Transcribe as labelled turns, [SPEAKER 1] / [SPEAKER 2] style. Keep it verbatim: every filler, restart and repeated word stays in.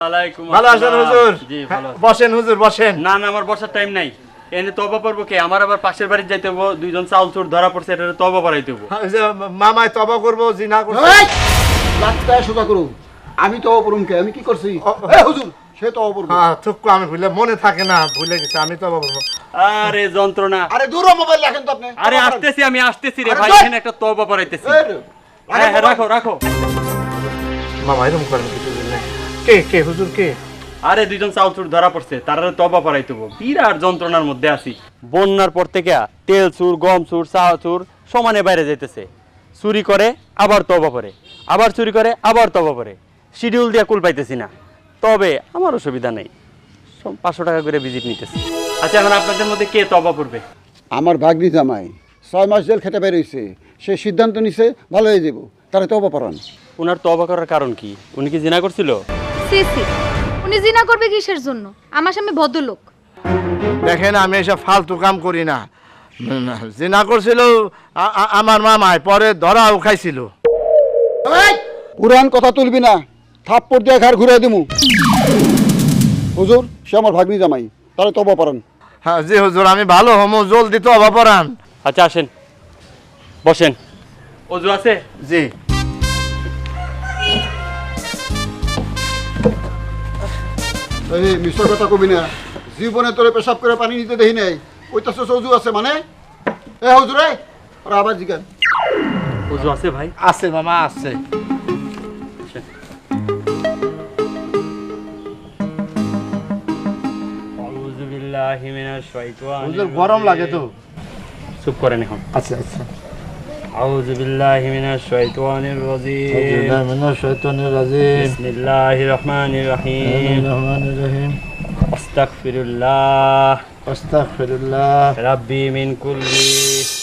[SPEAKER 1] আলাইকুম
[SPEAKER 2] ভালো আছেন হুজুর?
[SPEAKER 1] জি ভালো আছি।
[SPEAKER 2] বসেন হুজুর বসেন।
[SPEAKER 1] না না আমার বসার টাইম নাই। এনে তওবা করবো কে? আমার আবার পাশের বাড়ি যাইতে হবো, দুইজন চাউল চোর ধরা পড়ছে, এটা তওবা করাইতে হবো।
[SPEAKER 2] ওই যে মামায় তবা করবো জিনা করছে।
[SPEAKER 3] এই লাখটায় সোজা করুন। আমি তো অপরুম কে আমি কি করছি? এ হুজুর সে তো অপরুম।
[SPEAKER 2] হ্যাঁ থুকু আমি ভুলে মনে থাকে না, ভুলে গেছি আমি তবা করবো।
[SPEAKER 1] আরে যন্ত্রণা।
[SPEAKER 3] আরে দূর মোবাইল রাখেন তো আপনি।
[SPEAKER 1] আরে আসতেছি আমি আসতেছি রে
[SPEAKER 3] আরে
[SPEAKER 1] ভাই,
[SPEAKER 3] ধুর।
[SPEAKER 1] এখানে একটা তওবা করাইতেছি।
[SPEAKER 3] এই রে,
[SPEAKER 1] হ্যাঁ হ্যাঁ রাখো রাখো।
[SPEAKER 2] মামা এরকম করেন কিছু দিলে। কে কে হুজুর কে?
[SPEAKER 1] আরে দুইজন চাউল চোর ধরা পড়ছে, তারা তওবা করাইতে হবো। বিরাট যন্ত্রণার মধ্যে আছি। বন্যার পর থেকে তেল চুর, গম চুর, চা চুর সমানে বাইরে যাইতেছে। চুরি করে আবার তওবা করে, আবার চুরি করে আবার তওবা করে। শিডিউল দিয়ে কুল পাইতেছি না। তবে আমার অসুবিধা নেই, সব পাঁচশো টাকা করে ভিজিট নিতেছি। আচ্ছা এখন আপনাদের মধ্যে কে তওবা করবে?
[SPEAKER 3] আমার ভাগ্নি জামাই ছয় মাস জেল খেতে বের হইছে। সে সিদ্ধান্ত নিছে ভালো হয়ে যাব। তারা তো অপরাণ।
[SPEAKER 1] ওনার তওবা করার কারণ কি? উনি কি জিনা করছিল?
[SPEAKER 4] সি সি উনি জিনা করবে কিসের জন্য? আমার সামনে ভদ্রলোক।
[SPEAKER 2] দেখেন আমি এসব ফালতু কাম করি না। জিনা করছিল আ- আ- আমার মামায়, পরে ধরাও খাইছিল।
[SPEAKER 3] পুরান কথা তুলবি না, থাপ্পড় দিয়ে ঘর ঘুরে দিমু। হুজুর সে আমার ভাগ্নি জামাই, তারা তো অপরাণ।
[SPEAKER 2] হ্যাঁ জি হুজুর আমি ভালো হমু, জলদি তো অবাপরান।
[SPEAKER 1] আচ্ছা আসেন বসেন। অজু আছে?
[SPEAKER 2] জি
[SPEAKER 3] এই মিশ্র কথা কবি না, জীবনে তোরে পেশাব করে পানি নিতে দেখি নাই। ওইটা সজু আছে মানে? এ হুজুর রে ওরা আবার জিজ্ঞান।
[SPEAKER 1] অজু আছে ভাই?
[SPEAKER 2] আছে মামা আছে।
[SPEAKER 1] আসেন। আউযু বিল্লাহি মিনাশ শাইতানির
[SPEAKER 2] হুজুর গরম লাগে তো।
[SPEAKER 1] চুপ করেন এখন।
[SPEAKER 2] আচ্ছা আচ্ছা।
[SPEAKER 1] আউযু বিল্লাহি মিনাশ শাইতানির রাজিম।
[SPEAKER 2] মিনাশ শাইতানির রাজিম।
[SPEAKER 1] বিসমিল্লাহির রহমানির রহিম।
[SPEAKER 2] রহমানির রহিম।
[SPEAKER 1] আস্তাগফিরুল্লাহ
[SPEAKER 2] আস্তাগফিরুল্লাহ।
[SPEAKER 1] রাব্বি মিন কুল্লি